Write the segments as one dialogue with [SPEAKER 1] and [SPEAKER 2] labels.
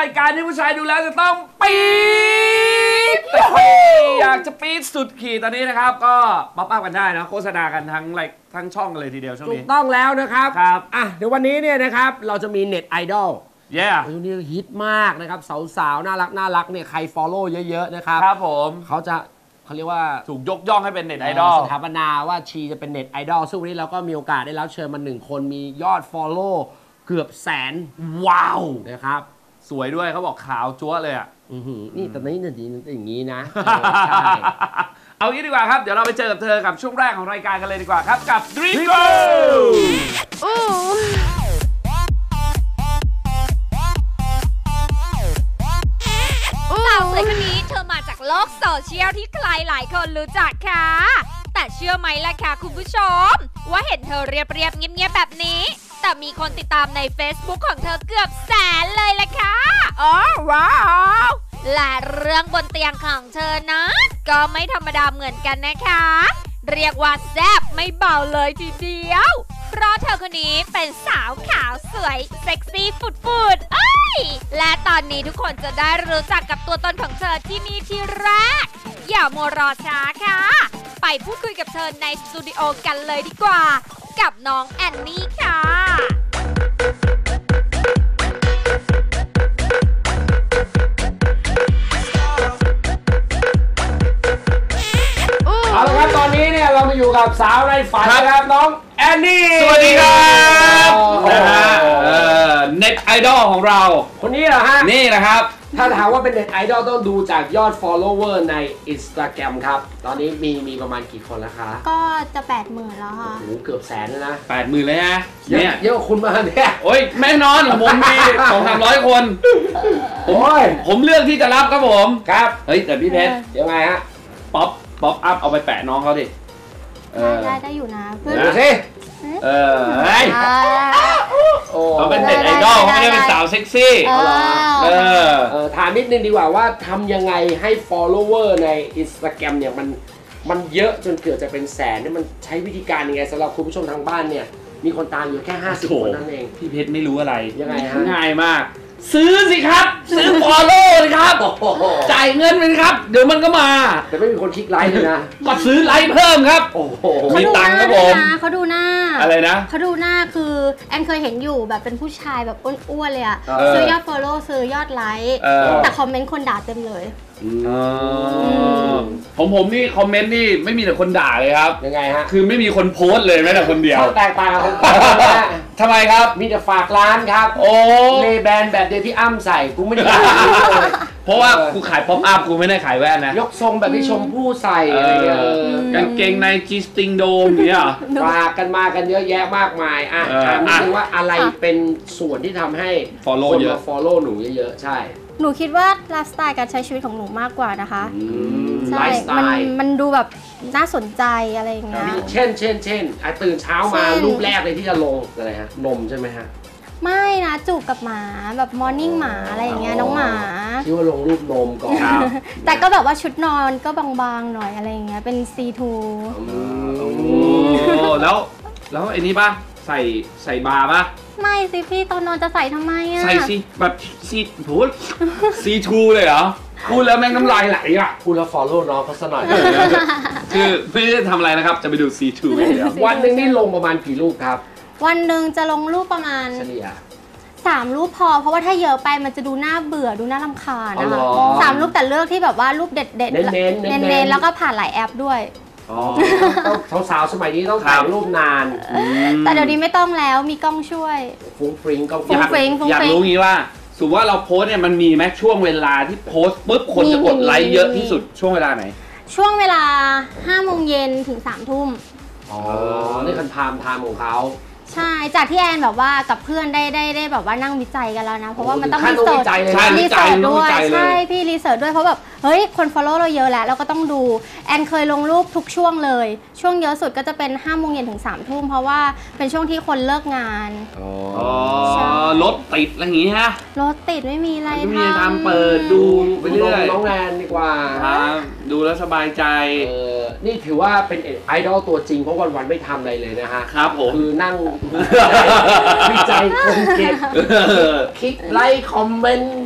[SPEAKER 1] รายการที่ผู้ชายดูแล้วจะต้องปี๊ดอยากจะปี๊ดสุดขีดตอนนี้นะครับก็ป๊อปอัพกันได้นะโฆษณากันทั้งช่องกันเลยทีเดียวช่วงนี้
[SPEAKER 2] ถูกต้องแล้วนะครับ
[SPEAKER 1] ครับ
[SPEAKER 2] เดี๋ยววันนี้เนี่ยนะครับเราจะมีเน็ตไอดอลช่วงนี้ฮิตมากนะครับสาวๆน่ารักเนี่ยใครฟอลโล่เยอะๆนะครับ
[SPEAKER 1] ครับผม
[SPEAKER 2] เขาเรียกว่า
[SPEAKER 1] ถูกยกย่องให้เป็นเน็ตไอดอล
[SPEAKER 2] สถาปนาว่าชีจะเป็นเน็ตไอดอลซึ่งวันนี้เราก็มีโอกาสได้รับเชิญมา1คนมียอดฟอลโล่เกือบแสน
[SPEAKER 1] ว้าว
[SPEAKER 2] นะครับ
[SPEAKER 1] สวยด้วยเขาบอกขาวจั๊วเลยอ่ะ
[SPEAKER 2] นี่แต่นี้อย่างนี้นะ
[SPEAKER 1] ใช่เอางี้ดีกว่าครับเดี๋ยวเราไปเจอกับเธอกับช่วงแรกของรายการกันเลยดีกว่าครับกับ Dream Go
[SPEAKER 3] สาวสวยคนนี้เธอมาจากโลกโซเชียลที่ใครหลายคนรู้จักค่ะแต่เชื่อไหมล่ะคะคุณผู้ชมว่าเห็นเธอเรียบเงียบๆแบบนี้แต่มีคนติดตามใน Facebook ของเธอเกือบแสนเลยล่ะค่ะอ๋อว้าวและเรื่องบนเตียงของเธอนะก็ไม่ธรรมดาเหมือนกันนะคะเรียกว่าแซ่บไม่เบาเลยทีเดียวเพราะเธอคนนี้เป็นสาวขาวสวยเซ็กซี่ฟุดๆเอ้ยและตอนนี้ทุกคนจะได้รู้จักกับตัวตนของเธอที่นี่ที่แรกอย่ามัวรอช้าค่ะไปพูดคุยกับเธอในสตูดิโอกันเลยดีกว่ากับน้องแอนนี่ค่ะ
[SPEAKER 2] เอาละครับตอนนี้เนี่ยเรามาอยู่กับสาวในฝันนะครับน้องแอนนี่
[SPEAKER 1] สวัสดีครับนะฮะเน็ตไอดอลของเรา
[SPEAKER 2] คนนี้เหรอฮะ
[SPEAKER 1] นี่นะครับ
[SPEAKER 2] ถ้าถามว่าเป็นเน็ตไอดอลต้องดูจากยอด follower ใน Instagram ครับตอนนี้มีประมาณกี่คนแล้วคะ
[SPEAKER 4] ก็จะ 80,000 แล้วค่ะ
[SPEAKER 2] โอ้โหเกือบแสนแล้วนะ
[SPEAKER 1] 80,000เลยฮะ
[SPEAKER 2] เนี่ยเยอะคุณมาเนี่ย
[SPEAKER 1] โอ้ยแม่นอนผมมี 200-300 คนผมเลือกที่จะรับครับผม
[SPEAKER 2] ครับ
[SPEAKER 1] เฮ้ยแต่พี่เพชร
[SPEAKER 2] ยังไงฮะ
[SPEAKER 1] ป๊อปอัพเอาไปแปะน้องเขาดิ
[SPEAKER 4] ได้อยู่นะเพื่อน
[SPEAKER 2] ดูสิ
[SPEAKER 1] เขาเป็นเน็ตไอดอลเขาไม่ได้เป็นสาวเซ็กซี่
[SPEAKER 2] ถามนิดนึงดีกว่าว่าทำยังไงให้ follower ใน Instagram เนี่ยมันเยอะจนเกือบจะเป็นแสนเนี่ยมันใช้วิธีการยังไงสำหรับคุณผู้ชมทางบ้านเนี่ยมีคนตามอยู่แค่50 คนนั่นเอง
[SPEAKER 1] พี่เพชรไม่รู้อะไร
[SPEAKER 2] ยังไงฮะ
[SPEAKER 1] ง่ายมากซื้อสิครับซื้อ follow เลยครับจ่ายเงินไปครับเดี๋ยวมันก็มา
[SPEAKER 2] แต่ไม่มีคนคลิกไลค์เลยนะ
[SPEAKER 1] ก็ซื้อไลค์เพิ่มครับโอ้โหมีตังค์ครับผม
[SPEAKER 4] เขาดูหน้า
[SPEAKER 1] อะไรนะ
[SPEAKER 4] เขาดูหน้าคือแอนเคยเห็นอยู่แบบเป็นผู้ชายแบบอ้วนๆเลยอะซื้อยอด follow ซื้อยอดไลค์แต่คอมเมนต์คนด่าเต็มเลย
[SPEAKER 1] ผมนี่คอมเมนต์นี่ไม่มีแต่คนด่าเลยครับ
[SPEAKER 2] ยังไงฮะ
[SPEAKER 1] คือไม่มีคนโพสต์เลยแม้แต่คนเดียว
[SPEAKER 2] แตกต่างกัน
[SPEAKER 1] ทำไมครับ
[SPEAKER 2] มีแต่ฝากร้านครับ
[SPEAKER 1] โอ้
[SPEAKER 2] เลแบนแบบเดียวที่อ้ำใส่กูไม่ได้
[SPEAKER 1] เพราะว่ากูขายป๊อปอัพกูไม่ได้ขายแว่นนะ
[SPEAKER 2] ยกทรงแบบที่ชมพู่ใส่อะไรเงี้ย
[SPEAKER 1] กางเกงในจีสติงโดมเนี่ย
[SPEAKER 2] ฝากกันมากันเยอะแยะมากมายถามนิดนึงว่าอะไรเป็นส่วนที่ทำให้คนมา follow หนูเยอะๆใช่
[SPEAKER 4] หนูคิดว่าไลฟ์สไตล์การใช้ชีวิตของหนูมากกว่านะคะใช่มันดูแบบน่าสนใจอะไรอย่างเงี้ย
[SPEAKER 2] เช่นตื่นเช้ามารูปแรกเลยที่จะลงอะไรฮะนมใช่ไหมฮะ
[SPEAKER 4] ไม่นะจูบกับหมาแบบมอร์นิ่งหมาอะไรอย่างเงี้ยน้องหมา
[SPEAKER 2] คิดว่าลงรูปนมก่อน
[SPEAKER 4] แต่ก็แบบว่าชุดนอนก็บางๆหน่อยอะไรอย่างเงี้ยเป็น C2
[SPEAKER 1] แล้วไอ้นี่ป่ะใส่บาร์ป่ะ
[SPEAKER 4] ไม่สิพี่ตอนนอนจะใส่ทำไมอะ
[SPEAKER 1] ใส่สิแบบC2 เลยเหรอพูดแล้วแม่งน้ำลายไหลอ่ะ
[SPEAKER 2] พูดแล้ว follow น้องเขาซะหน่อย
[SPEAKER 1] คือไม่ได้ทำอะไรนะครับจะไปดู C2 เดียว
[SPEAKER 2] วันหนึ่งนี่ลงประมาณกี่รูปครับ
[SPEAKER 4] วันหนึ่งจะลงรูปประมาณ
[SPEAKER 2] เฉลี่ย
[SPEAKER 4] 3 รูปพอเพราะว่าถ้าเยอะไปมันจะดูน่าเบื่อดูน่ารำคาญนะคะ3 รูปแต่เลือกที่แบบว่ารูปเด็ดเน้นแล้วก็ผ่านหลายแอปด้วย
[SPEAKER 2] สาวสมัยนี้ต้องถ่ายรูปนาน
[SPEAKER 4] แต่เดี๋ยวนี้ไม่ต้องแล้วมีกล้องช่วย
[SPEAKER 2] ฟุ้งฟริ้งก็
[SPEAKER 1] อยากรู้งี้ว่าสมมติว่าเราโพสเนี่ยมันมีไหมช่วงเวลาที่โพสปุ๊บคนจะกดไลค์เยอะที่สุดช่วงเวลาไหน
[SPEAKER 4] ช่วงเวลา 5 โมงเย็นถึง 3 ทุ่ม
[SPEAKER 2] นี่คันไทม์ของเขา
[SPEAKER 4] ใช่จากที่แอนแบบว่ากับเพื่อนได้แบบว่านั่งวิจัยกันแล้วนะเพราะว่ามันต้องรีเสิร์ชด้วยใช่พี่รีเสิร์ชด้วยเพราะแบบเฮ้ยคน follow เราเยอะแล้วเราก็ต้องดูแอนเคยลงรูปทุกช่วงเลยช่วงเยอะสุดก็จะเป็น 5 โมงเย็นถึง 3 ทุ่มเพราะว่าเป็นช่วงที่คนเลิกงาน
[SPEAKER 1] รถติดอะไรอย่างงี้ฮะ
[SPEAKER 4] รถติดไม่มีอะไร
[SPEAKER 1] ทำเปิดดูไปเรื่อย
[SPEAKER 2] น้องแอนดีกว่า
[SPEAKER 1] ดูแล้วสบายใจ
[SPEAKER 2] นี่ถือว่าเป็นไอดอลตัวจริงเพราะวันๆไม่ทำอะไรเลยนะฮะ
[SPEAKER 1] ครับผม
[SPEAKER 2] คือนั่งวิจัยคนเก็บคลิกไลค์คอมเมนต์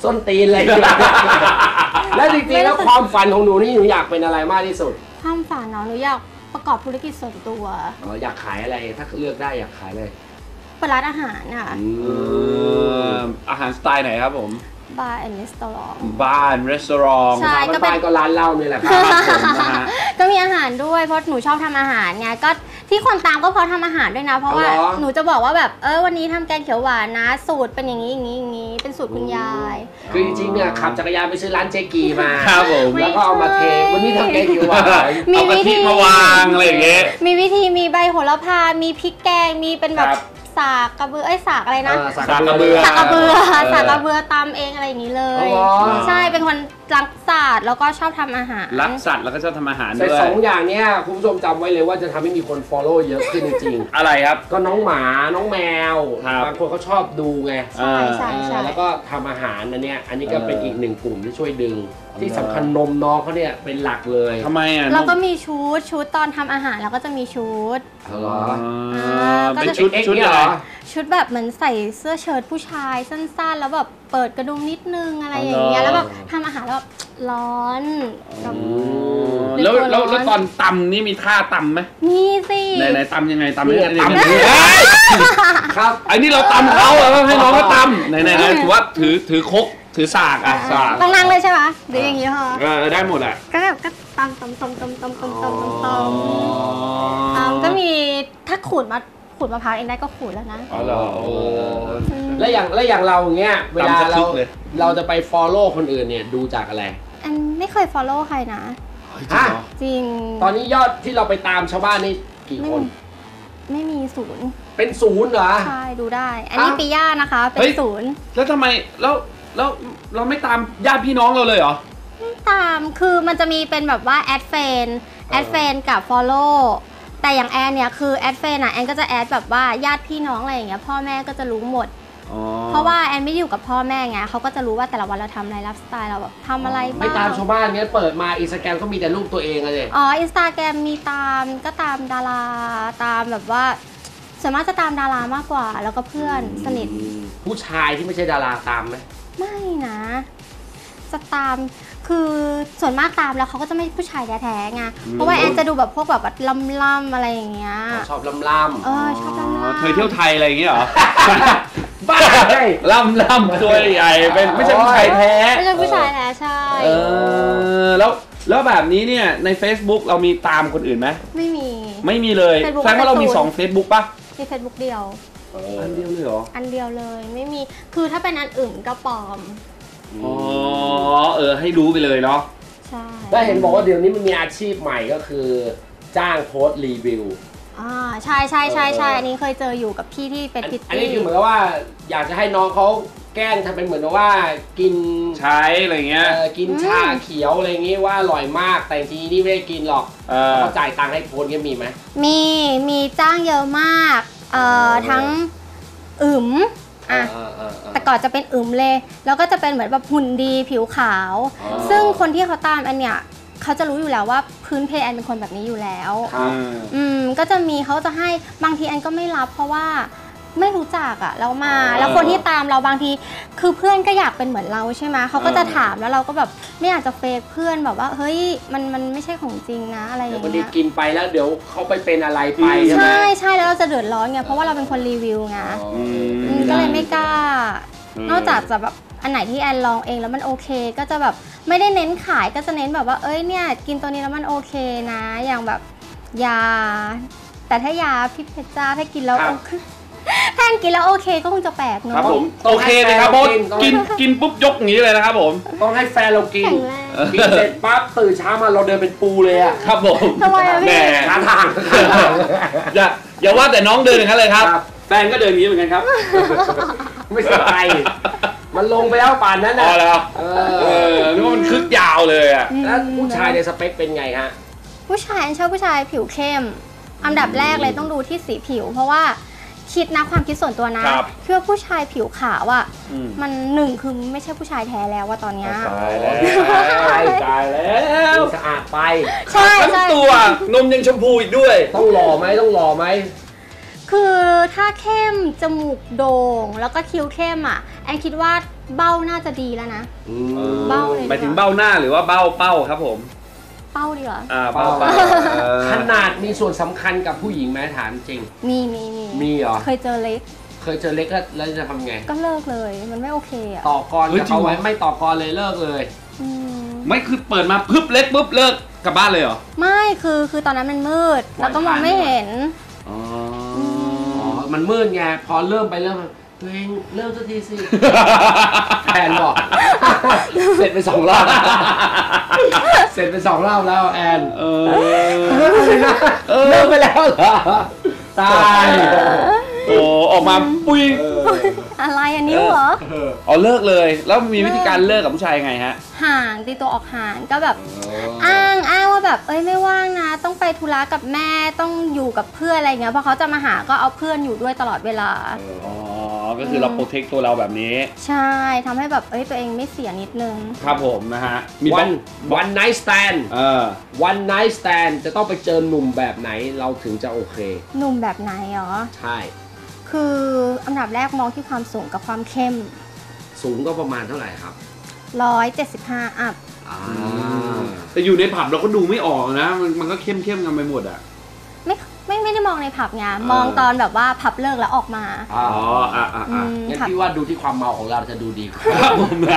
[SPEAKER 2] ส้นตีนเลย แล้วจริงๆแล้วความฝันของหนูนี่หนูอยากเป็นอะไรมากที่สุด
[SPEAKER 4] ความฝันเนาะหนูอยากประกอบธุรกิจส่วนตัว
[SPEAKER 2] อยากขายอะไรถ้าเลือกได้อยากขายเลย
[SPEAKER 4] เปิดร้านอาหารค่ะ
[SPEAKER 1] อาหารสไตล์ไหนครับผม
[SPEAKER 4] บาร์แอนด์รีสอร์ท
[SPEAKER 1] บ้านรีสอร์ท
[SPEAKER 4] ใช่ก็เป็น
[SPEAKER 2] บ้านก็ร้านเหล้านี่แหละครับ
[SPEAKER 4] ก็มีอาหารด้วยเพราะหนูชอบทำอาหารไงก็ที่คนตามก็เพราะทำอาหารด้วยนะ เพราะว่าหนูจะบอกว่าแบบวันนี้ทำแกงเขียวหวานนะสูตรเป็นอย่างนี้อย่างนี้อย่างนี้เป็นสูตรคุณยาย
[SPEAKER 2] คือจริงๆเนี่ยขับจักรยานไปซื้อร้านเจกีมา
[SPEAKER 1] ครับผม
[SPEAKER 2] แล้วก็เอามาเทวันนี้ทำแกงเขียวหวาน
[SPEAKER 1] เอากะทิมาวางอะไรอย่างเงี้ย
[SPEAKER 4] มีวิธีมีใบโหระพา มีพริกแกงมีเป็นแบบสากกระเบือสากอะไรนะ
[SPEAKER 2] สากกระเบือ
[SPEAKER 4] สากกระเบือตำเองอะไรอย่างนี้เลย ใช่เป็นคนรักศาสตร์แล้วก็ชอบทำอาหาร
[SPEAKER 1] รักสัตว์แล้วก็ชอบทำอาหาร
[SPEAKER 2] แต่
[SPEAKER 1] ด้วย
[SPEAKER 2] สองอย่างเนี้ยคุณผู้ชมจำไว้เลยว่าจะทำให้มีคน follow เยอะขึ้นจริง
[SPEAKER 1] อะไรครับ
[SPEAKER 2] ๆก็น้องหมาน้องแมว
[SPEAKER 1] ครับ
[SPEAKER 2] บางคนเขาชอบดูไง
[SPEAKER 4] ใช่ใช่ใช่
[SPEAKER 2] แล้วก็ทำอาหารอันเนี้ยอันนี้ก็เป็นอีกหนึ่งกลุ่มที่ช่วยดึง ที่สำคัญนมน้องเขาเนี่ยเป็นหลักเลย
[SPEAKER 1] ทำไมอ่ะ
[SPEAKER 4] เราก็มีชุดตอนทำอาหารเราก็จะมีชุด
[SPEAKER 2] เอาเหรอ
[SPEAKER 1] เป็นชุด
[SPEAKER 2] เอ็กซ์
[SPEAKER 1] ชุด
[SPEAKER 2] เนี่ย
[SPEAKER 1] อะไร
[SPEAKER 2] เหรอ
[SPEAKER 4] ชุดแบบเหมือนใส่เสื้อเชิ้ตผู้ชายสั้นๆ แล้วแบบเปิดกระดุมนิดนึงอะไรอย่างเงี้ยแล้วแบบทำอาหารแล้วแบบร้อนแบบ
[SPEAKER 1] แล้วตอนตำนี่มีท่าตำไหม
[SPEAKER 4] มีสิ
[SPEAKER 1] ไหนตำยังไงตำ
[SPEAKER 2] นี่ไง
[SPEAKER 1] ตำ
[SPEAKER 2] ตำ ครับ
[SPEAKER 1] ไอ้นี่เราตำเขาให้น้องเขาตำไหนถือว่าถือครกถือสากอ่ะสาก
[SPEAKER 4] ต้องนั่งเลยใช่ไหมหรืออย่างงี้พอ
[SPEAKER 1] ได้หมดอ่ะ
[SPEAKER 4] ก็แบบก็ตำก็มีถ้าขูดมะพร้าวเองได้ก็ขูดแล้วนะ
[SPEAKER 1] อ๋อเหรอ
[SPEAKER 2] แล้วอย่างเราอย่างเงี้ยเวลา
[SPEAKER 1] ตำสัก
[SPEAKER 2] เรา
[SPEAKER 1] คึกเลย
[SPEAKER 2] เราจะไป follow คนอื่นเนี่ยดูจากอะไร
[SPEAKER 4] อันไม่เคย follow ใครนะ
[SPEAKER 2] ฮะ
[SPEAKER 4] จริง
[SPEAKER 2] ตอนนี้ยอดที่เราไปตามชาวบ้านนี่กี่คน
[SPEAKER 4] ไม่มีศูนย์
[SPEAKER 2] เป็นศูนย์เหรอ
[SPEAKER 4] ใช่ดูได้ อันนี้ปิย่านะคะเป็นศูนย์
[SPEAKER 1] แล้วทำไมแล้วเราไม่ตามญาติพี่น้องเราเลยเหรอ
[SPEAKER 4] ตามคือมันจะมีเป็นแบบว่าแอดเฟนกับ follow แต่อย่างแอนเนี่ยคือแอดเฟนอ่ะแอนก็จะแอดแบบว่าญาติพี่น้องอะไรอย่างเงี้ยพ่อแม่ก็จะรู้หมด เพราะว่าแอนไม่ได้อยู่กับพ่อแม่ไงเขาก็จะรู้ว่าแต่ละวันเราทำอะไรไลฟ์สไตล์เราแบบทำอะไรบ้าง
[SPEAKER 2] ไม่ตามชาวบ้านเงี้ยเปิดมาอินสตาแกรมก็มีแต่รูปตัวเองอะเลย
[SPEAKER 4] อ๋ออินสตาแกรมมีตามก็ตามดาราตามแบบว่าส่วนมากจะตามดารามากกว่า แล้วก็เพื่อนสนิท
[SPEAKER 2] ผู้ชายที่ไม่ใช่ดาราตามไหม
[SPEAKER 4] ไม่นะจะตามคือส่วนมากตามแล้วเขาก็จะไม่ผู้ชายแท้ๆไงเพราะว่าแอนจะดูแบบพวกแบบล่ำๆอะไรอย่างเงี้ย
[SPEAKER 2] ชอบล่ำ
[SPEAKER 4] ชอบล่ำๆ
[SPEAKER 1] เคยเที่ยวไทยอะไรอย่างเงี้ยเหรอ
[SPEAKER 2] ๆบ้าใช่
[SPEAKER 1] ล่ำตัวใหญ่เป็นไม่ใช่ผู้ชายแท้
[SPEAKER 4] ไม่ใช่ผู้ชายแท้ใช่
[SPEAKER 1] แล้วแบบนี้เนี่ยใน Facebook เรามีตามคนอื่นไหม
[SPEAKER 4] ไม่มี
[SPEAKER 1] ไม่มีเลย
[SPEAKER 4] Facebook
[SPEAKER 1] แสดงว่าเรามี
[SPEAKER 4] เป็นศูนย์
[SPEAKER 1] 2 Facebook ป่ะ
[SPEAKER 4] มี Facebook เดียว
[SPEAKER 1] อันเดียวเลยเหรอ
[SPEAKER 4] อันเดียวเลยไม่มีคือถ้าเป็นอันอื่นก็ปลอม
[SPEAKER 1] อ๋อให้รู้ไปเลยเนาะ
[SPEAKER 4] ใช่
[SPEAKER 2] ได้เห็นบอกว่าเดี๋ยวนี้มันมีอาชีพใหม่ก็คือจ้างโพสต์รีวิว
[SPEAKER 4] ใช่อันนี้เคยเจออยู่กับพี่ที่เป็นพิต
[SPEAKER 2] อันนี้
[SPEAKER 4] ตี้
[SPEAKER 2] คือเหมือนกับว่าอยากจะให้น้องเขาแกล้งทำเป็นเหมือนกับว่ากิน
[SPEAKER 1] ใช้อะไรเงี้ย
[SPEAKER 2] กินชาเขียวอะไรอย่างงี้ว่าอร่อยมากแต่จริงๆนี่ไม่ได้กินหรอกเขาจ่ายตังค์ให้โพสต์เงี้ยมีไหม
[SPEAKER 4] มีจ้างเยอะมากทั้งอึมแต่ก่อนจะเป็นอึมเลยแล้วก็จะเป็นเหมือนแบบหุ่นดีผิวขาว ซึ่งคนที่เขาตามอันเนี้ยเขาจะรู้อยู่แล้วว่าพื้นเพแอนเป็นคนแบบนี้อยู่แล้ว ก็จะมีเขาจะให้บางทีแอนก็ไม่รับเพราะว่าไม่รู้จักอะแล้วแล้วคนที่ตามเราบางทีคือเพื่อนก็อยากเป็นเหมือนเราใช่ไหมเขาก็จะถามแล้วเราก็แบบไม่อยากจะเฟกเพื่อนแบบว่าเฮ้ยมันไม่ใช่ของจริงนะอะไรอย่าง
[SPEAKER 2] วัน
[SPEAKER 4] เงี้
[SPEAKER 2] นี้
[SPEAKER 4] ย
[SPEAKER 2] กินไปแล้วเดี๋ยวเขาไปเป็นอะไรไปใช่ไหม
[SPEAKER 4] ใช่แล้วเราจะเดือดร้อนไงเพราะว่าเราเป็นคนรีวิวไงก็เลยไม่กล้านอกจากจะแบบอันไหนที่แอนลองเองแล้วมันโอเคก็จะแบบไม่ได้เน้นขายก็จะเน้นแบบว่าเอ้ยเนี่ยกินตัวนี้แล้วมันโอเคนะอย่างแบบยาแต่ถ้ายาพี่เพชรจ้าถ้ากินแล้วถ้ากินแล้วโอเคก็คงจะแปลกเนอะ
[SPEAKER 1] ครับผมโอเคเลยครับโบสกินปุ๊บยกอย่างนี้เลยนะครับผม
[SPEAKER 2] ต้องให้แฟนเรากิน
[SPEAKER 4] แข็งแรง
[SPEAKER 2] กินเสร็จปั๊บตื่นเช้ามาเราเดินเป็นปูเลยอะ
[SPEAKER 1] ครับผม
[SPEAKER 4] ทำไมอะพี่
[SPEAKER 1] แหม
[SPEAKER 2] ขาทาง
[SPEAKER 1] อย่าว่าแต่น้องเดินอย่างนั้นเลยครับ แฟนก็เดินอย่างนี้เหมือนกันครับ
[SPEAKER 2] ไม่สบายมันลงไปแล้วป่านนั้น
[SPEAKER 1] พ
[SPEAKER 2] นะ
[SPEAKER 1] อแล้วนึกว่ามันคึกยาวเลยอ่ะ
[SPEAKER 2] แล้วผู้ชายในสเปคเป็นไงฮะ
[SPEAKER 4] ผู้ชายชอบผู้ชายผิวเข้มอันดับแรกเลยต้องดูที่สีผิว เพราะว่าคิดนะความคิดส่วนตัวนะคิดว่าผู้ชายผิวขาวอ่ะมันหนึ่งคือไม่ใช่ผู้ชายแท้แล้วว่าตอนเนี้ย
[SPEAKER 1] ตายแล้ว
[SPEAKER 2] ตายแล้วสะอาดไป
[SPEAKER 4] ใช่
[SPEAKER 1] ทั้ง
[SPEAKER 4] ใช่
[SPEAKER 1] ตัวนมยังชมพูอีกด้วย
[SPEAKER 2] ต้องหล่อไหมต้องหล่อไหม
[SPEAKER 4] คือถ้าเข้มจมูกโด่งแล้วก็คิ้วเข้มอ่ะแอนคิดว่าเบ้าน่าจะดีแล้วนะ เบ้าเลย
[SPEAKER 1] หมายถึงเบ้าหน้าหรือว่าเบ้าเป้าครับผม
[SPEAKER 4] เป้าดีกว่า
[SPEAKER 1] เป้า
[SPEAKER 2] ขนาดมีส่วนสำคัญกับผู้หญิงไหมถามจริง
[SPEAKER 4] มี
[SPEAKER 2] เหรอ
[SPEAKER 4] เคยเจอเล็ก
[SPEAKER 2] เคยเจอเล็กแล้วจะทำไง
[SPEAKER 4] ก็เลิกเลยมันไม่โอเคอ่ะ
[SPEAKER 2] ต่อกรกับเขาไว้ไม่ต่อกรเลยเลิกเลย
[SPEAKER 4] อืม
[SPEAKER 1] ไม่คือเปิดมาปึ๊บเล็กปุ๊บเลิกกลับบ้านเลยเหรอ
[SPEAKER 4] ไม่คือตอนนั้นมันมืดแล้วก็มองไม่เห็น
[SPEAKER 1] อ๋อ
[SPEAKER 2] อ๋อ มันมืดไง พอเริ่มไปเริ่มมาตัวเองเริ่มสักทีสิ แอนบอก เสร็จไป2 รอบ เสร็จไป2 รอบแล้วแอน เริ่มไปแล้วเหรอ ตาย
[SPEAKER 1] โอ้ออกมาปุ้ย
[SPEAKER 4] อะไรอันนิ้วเหรอ
[SPEAKER 1] อ๋อเลิกเลย แล้วมีวิธีการเลิกกับผู้ชายยังไงฮะ
[SPEAKER 4] ห่างตีตัวออกห่างก็แบบอ้างว่าแบบไม่ว่างนะต้องไปธุระกับแม่ต้องอยู่กับเพื่อนอะไรเงี้ยพอเขาจะมาหาก็เอาเพื่อนอยู่ด้วยตลอดเวลา
[SPEAKER 1] อ๋อ ก็คือเราโปรเทคตัวเราแบบนี้
[SPEAKER 4] ใช่ทำให้แบบตัวเองไม่เสียนิดนึง
[SPEAKER 1] ครับผมนะฮะ มี
[SPEAKER 2] วันไนท์สแตน วันไนท์สแตนจะต้องไปเจอหนุ่มแบบไหนเราถึงจะโอเค
[SPEAKER 4] หนุ่มแบบไหนเหรอ
[SPEAKER 2] ใช่
[SPEAKER 4] คืออันดับแรกมองที่ความสูงกับความเข้ม
[SPEAKER 2] สูงก็ประมาณเท่าไหร่ครับ
[SPEAKER 4] 175 อัพ
[SPEAKER 1] แต่อยู่ในผับเราก็ดูไม่ออกนะ มันก็เข้มกันไปหมดอ่ะ
[SPEAKER 4] ไม่ได้มองในผับไงมองตอนแบบว่าผับเลิกแล้วออกมา
[SPEAKER 1] อ๋อ
[SPEAKER 2] งั้นพี่ว่าดูที่ความเมาของเราจะดูดีกว่า
[SPEAKER 1] ครับผมนะ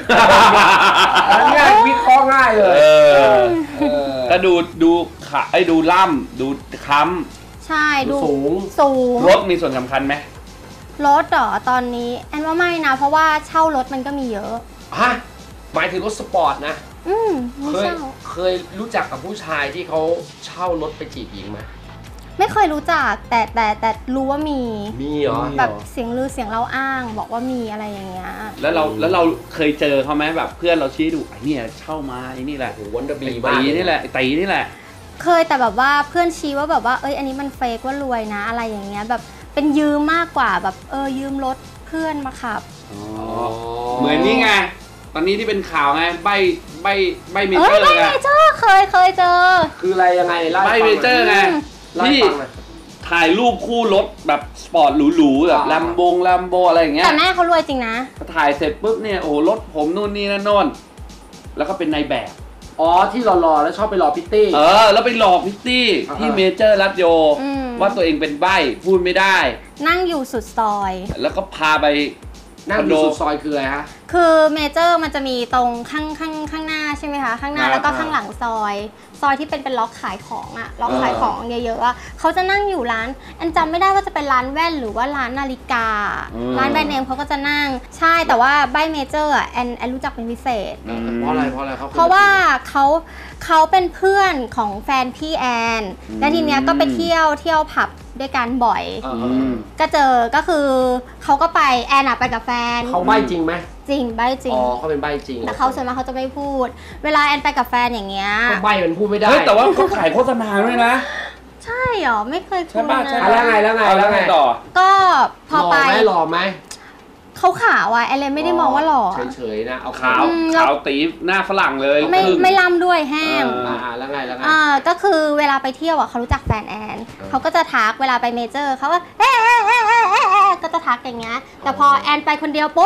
[SPEAKER 2] ง่ายวิเคราะห์ง่ายเลย
[SPEAKER 1] ก็ดูขาดูล่ำดูค้ำ
[SPEAKER 4] ใช่ดู
[SPEAKER 2] สูง
[SPEAKER 1] รถมีส่วนสำคัญไหม
[SPEAKER 4] รถเหรอตอนนี้แอนว่าไม่นะเพราะว่าเช่ารถมันก็มีเยอะ
[SPEAKER 2] ฮะ หมายถึงรถสปอร์ตนะ
[SPEAKER 4] ไม่
[SPEAKER 2] เคย
[SPEAKER 4] เช่า
[SPEAKER 2] เคยรู้จักกับผู้ชายที่เขาเช่ารถไปจีบหญิงไหม
[SPEAKER 4] ไม่เคยรู้จักแต่รู้ว่ามี
[SPEAKER 2] มีเหรอ
[SPEAKER 4] แบบเสียงลือเสียงเล่าอ้างบอกว่ามีอะไรอย่างเงี้ย
[SPEAKER 1] แล้วเราเคยเจอเขาไหมแบบเพื่อนเราชี้ดูไอ้เนี่ยเช่ามาไอ้นี่แหละ
[SPEAKER 2] โอ้โหวันเดอร์บี
[SPEAKER 1] ไอ้
[SPEAKER 2] มาก
[SPEAKER 1] ตีนี่แหละไอ้ตีนี่แหละ
[SPEAKER 4] เคยแต่แบบว่าเพื่อนชี้ว่าแบบว่าอันนี้มันเฟกว่ารวยนะอะไรอย่างเงี้ยแบบเป็นยืมมากกว่าแบบยืมรถเพื่อนมาขับ
[SPEAKER 1] เหมือนนี่ไง ตอนนี้ที่เป็นข่าวไงใบเม
[SPEAKER 4] ใบ
[SPEAKER 1] เจอร์
[SPEAKER 4] เม
[SPEAKER 1] ไง
[SPEAKER 4] เจอร์เคยเจอ
[SPEAKER 2] คืออะไรยังไงเล่า
[SPEAKER 1] ใบ
[SPEAKER 2] ให้
[SPEAKER 1] เม
[SPEAKER 2] ฟังห
[SPEAKER 1] เจ
[SPEAKER 2] น่
[SPEAKER 1] อ
[SPEAKER 2] อย
[SPEAKER 1] ร์ไง
[SPEAKER 2] เล่าให้
[SPEAKER 1] ที่
[SPEAKER 2] ฟังหน่อย
[SPEAKER 1] ถ่ายรูปคู่รถแบบสปอร์ตหรูๆแบบแลมโบอะไรอย่างเงี้ย
[SPEAKER 4] แต่แม่เขารวยจริงนะ
[SPEAKER 1] พอถ่ายเสร็จปุ๊บเนี่ยโอ้รถผมนู่นนี่นั่นโน่นแล้วก็เป็นนายแบบ
[SPEAKER 2] อ๋อที่หล่อๆแล้วชอบไปหล่อพิตตี้
[SPEAKER 1] แล้วไปหลอกพิตตี้ที่เมเจอร์รัตโย ว่าตัวเองเป็นใบ้พูดไม่ได้
[SPEAKER 4] นั่งอยู่สุดซอย
[SPEAKER 1] แล้วก็พาไป
[SPEAKER 2] นั่งอยู่สุดซอยคืออะไรฮะ
[SPEAKER 4] คือเมเจอร์มันจะมีตรงข้างหน้าใช่ไหมคะข้างหน้าแล้วก็ข้างหลังซอยที่เป็นล็อกขายของอะล็อกขายของเยอะๆอะเขาจะนั่งอยู่ร้านอันจำไม่ได้ว่าจะเป็นร้านแว่นหรือว่าร้านนาฬิกา ร้านแบรนด์เนมเขาก็จะนั่งใช่แต่ว่าใบเมเจอร์อะแอนรู้จักเป็นพิเศษ
[SPEAKER 2] เพราะอะไรเขา
[SPEAKER 4] เพราะว่าเขาเป็นเพื่อนของแฟนพี่แอนและทีเนี้ยก็ไปเที่ยวผับด้วยกันบ่อย ก็เจอก็คือเขาก็ไปแอนอะไปกับแฟน
[SPEAKER 2] เขาใบ้จริงไหม
[SPEAKER 4] จริงใบจริง
[SPEAKER 2] อ๋อเขาเป็นใบ้จริง
[SPEAKER 4] แต่เขาส่วนมากเขาจะไม่พูด เวลาแอนไปกับแฟนอย่างเงี้ย
[SPEAKER 2] เขาใบ้มันพูดไม่ได้
[SPEAKER 1] เฮ้ยแต่ว่าเขาขายโฆษณาด้วยนะ
[SPEAKER 4] ใช่เหรอไม่เคยคุย
[SPEAKER 1] ใช่ป่ะ
[SPEAKER 4] นะ
[SPEAKER 1] ใช่
[SPEAKER 2] แล้วไง
[SPEAKER 1] ต่อ
[SPEAKER 4] ก็พอไป
[SPEAKER 2] หล่อไหม
[SPEAKER 4] เขาขาวอะแอนเลยไม่ได้มองว่าหล่อ
[SPEAKER 2] เฉยๆนะเอา
[SPEAKER 1] ขาวตีหน้าฝรั่งเลย
[SPEAKER 4] ไม่ล่ำด้วยแห้ง
[SPEAKER 2] แล้วไง
[SPEAKER 4] ก็คือเวลาไปเที่ยวอะเขารู้จักแฟนแอนเขาก็จะทักเวลาไปเมเจอร์เขาก็ก็จะทักอย่างเงี้ยแต่พอแอนไปคนเดียวปุ๊บ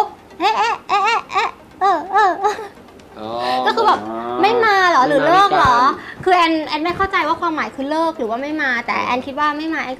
[SPEAKER 4] ก็คือแบบไม่มาเหรอหรือเลิกเหรอคือแอนไม่เข้าใจว่าความหมายคือเลิกหรือว่าไม่มาแต่แอนคิดว่าไม่มาแอนก็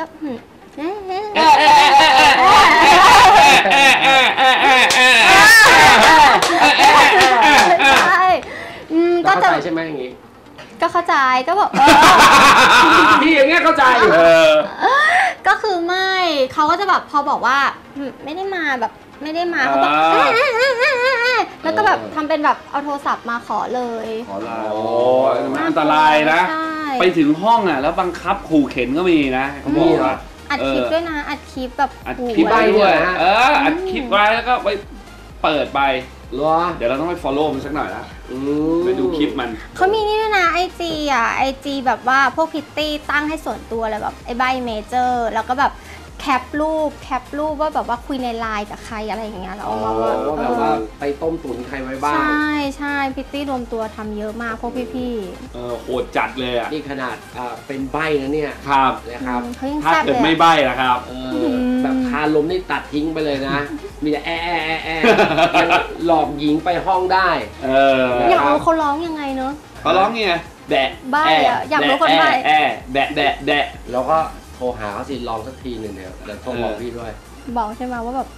[SPEAKER 4] ใช่ก็จะ
[SPEAKER 2] ใช่ไหมอย่างงี้
[SPEAKER 4] ก็เข้าใจก็บอก
[SPEAKER 2] พี่อย่างเงี้ยเข้าใจ
[SPEAKER 4] ก็คือไม่เขาก็จะแบบพอบอกว่าไม่ได้มาแบบไม่ได้มาเขาก็แล้วก็แบบทำเป็นแบบเอาโทรศัพท์มาขอเลย
[SPEAKER 1] ขอลาโอ้มันอันตรายนะไปถึงห้องอ่ะแล้วบังคับขู่เข็นก็มีนะเขาบอกว่า
[SPEAKER 4] อัดคลิปด้วยนะอัดคลิปแบบ
[SPEAKER 1] อัดคลิปไว้ด้วยอัดคลิปไว้แล้วก็ไปเปิดไป
[SPEAKER 2] เหรอ
[SPEAKER 1] เดี๋ยวเราต้องไป follow มันสักหน่อยนะไปดูคลิปมัน
[SPEAKER 4] เขามีนี่ด้วยนะไอจีแบบว่าพวกพิตตี้ตั้งให้ส่วนตัวเลยแบบไอ้ใบเมเจอร์แล้วก็แบบแคปรูปว่าแบบว่าคุยในไลน์กับใครอะไรอย่างเงี้ยแล้วเอามาว่า
[SPEAKER 2] แบบว่าไปต้มตุ๋นใครไว้บ้าง
[SPEAKER 4] ใช่พิตตี้รวมตัวทำเยอะมากพวกพี่
[SPEAKER 1] โหดจัดเลยอ่ะ
[SPEAKER 2] นี่ขนาดเป็นใบนะเนี่ย
[SPEAKER 1] ครับ
[SPEAKER 2] นะครับ
[SPEAKER 4] เขายัง
[SPEAKER 1] ถ้า
[SPEAKER 4] แซ่บ
[SPEAKER 1] เกิด
[SPEAKER 4] เลย
[SPEAKER 1] ไม่ใบ้นะครับ
[SPEAKER 2] แบบคาลมนี่ตัดทิ้งไปเลยนะมีแต่ยังหลอกหญิงไปห้องได้
[SPEAKER 4] อยากรู้เขาร้องยังไงเนอะ
[SPEAKER 1] เขาร้องไงแบะ
[SPEAKER 4] ใบ้อะอยากรู้คนใบ้
[SPEAKER 1] แบะแบะแบะ
[SPEAKER 2] แล้วก็โทรหาเขาสิลองสักทีหนึ่งเนี่ยเดี๋ยวโทรบอกพี่ด้วย
[SPEAKER 4] บอกใช่ไหมว่าแบบ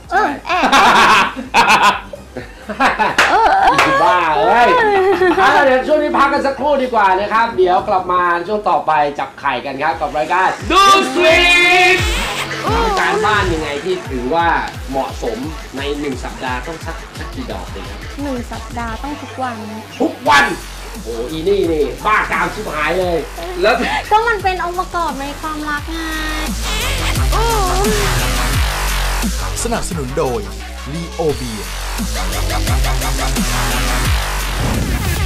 [SPEAKER 2] บ้าเอ้ยเดี๋ยวช่วงนี้พักกันสักครู่ดีกว่านะครับเดี๋ยวกลับมาช่วงต่อไปจับไข่กันครับกับรายการ
[SPEAKER 1] ดูสวีท
[SPEAKER 2] การบ้านยังไงที่ถือว่าเหมาะสมใน1สัปดาห์ต้องสักกี่ดอกเลยครับ
[SPEAKER 4] 1 สัปดาห์ต้องทุกวัน
[SPEAKER 2] โอ้อีนี่บ้ากามชิบหายเลย
[SPEAKER 1] แล้ว
[SPEAKER 4] ก็มันเป็นองค์ประกอบในความรักไง
[SPEAKER 5] สนับสนุนโดยลีโอเบีย